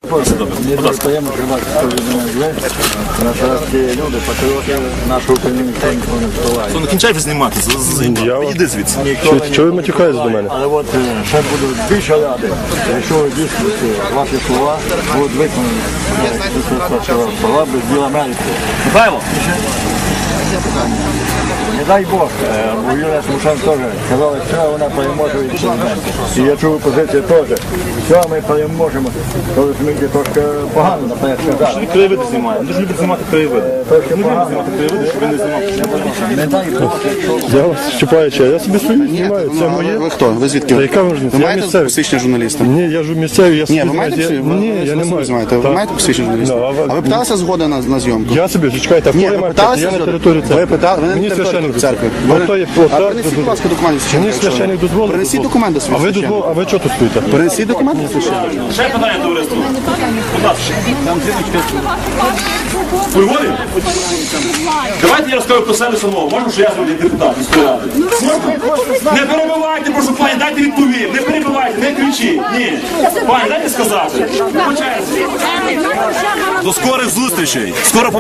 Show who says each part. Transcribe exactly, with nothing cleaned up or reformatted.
Speaker 1: Мені дуже приємно тримати свою людину. Наші люди, патріоти, нашу Україну ніхто нікого не вбиває.
Speaker 2: Ну, не кінчай вже знімати, іди звідси.
Speaker 3: Чого ви матюкаєтесь до мене?
Speaker 1: Але от ще буду більше ради, якщо ви дійсно ваші слова будуть виконані. Слова без діла Америки.
Speaker 2: Михайло!
Speaker 1: Не дай Бог, у Юрія Тимошенко теж казали, що вона переможе від президента. І я чув позицію теж. Що ми переможемо, коли Сміття трошки погано наперед сказали.
Speaker 2: Він краєвиди знімає, він дуже любить знімати краєвиди.
Speaker 1: Трошки погано.
Speaker 2: Знімати краєвиди, щоб він не знімав.
Speaker 1: Не дай Бог, якщо...
Speaker 3: Я вас чіпаю, чи я собі свої знімаю, це моє.
Speaker 4: Ви хто? Ви звідки?
Speaker 3: Та яка важливість?
Speaker 4: Ви
Speaker 3: Я
Speaker 4: маєте
Speaker 3: місцевий.
Speaker 4: посвідчення журналіста?
Speaker 3: Ні, я ж місцевий, я собі
Speaker 4: Ні, ви
Speaker 3: знімаю.
Speaker 4: маєте
Speaker 3: Я-
Speaker 4: посвідчення?
Speaker 3: Ні, я не маю.
Speaker 4: Знаєте. Ви
Speaker 3: Так.
Speaker 4: маєте посвідчення журналіста?
Speaker 3: Ну, а ви-
Speaker 4: А ви питалися згоди на, на зйомку?
Speaker 3: Я собі, зачекайте, а
Speaker 4: Ні,
Speaker 3: коли
Speaker 4: ви
Speaker 3: я маю
Speaker 4: питалися
Speaker 3: я на
Speaker 4: згоди?
Speaker 3: території церкви.
Speaker 4: Ви питали, ви не
Speaker 3: Мені
Speaker 4: на території
Speaker 3: священник
Speaker 4: церкви.
Speaker 3: дозволив.
Speaker 4: Ви-
Speaker 3: Ото є-
Speaker 4: А
Speaker 3: ото-
Speaker 4: принесіть, будь ласка, документи
Speaker 3: Мені
Speaker 4: священника.
Speaker 3: священник дозволив.
Speaker 4: Принесіть документи
Speaker 3: А ви
Speaker 4: священника.
Speaker 3: дозволили, а ви чого тут стоїте?
Speaker 4: Принесіть документи священника.
Speaker 2: Ще питання, товариство. Будь ласка. Виводив? Давайте я розкажу про себе самого. Можна, що я зроблю депутат міської ради? Не перебивайте, прошу, пані, дайте відповім. Не перебивайте, не кричіть. Ні. Пані, дайте сказати. По черзі. До скорих зустрічей. Скоро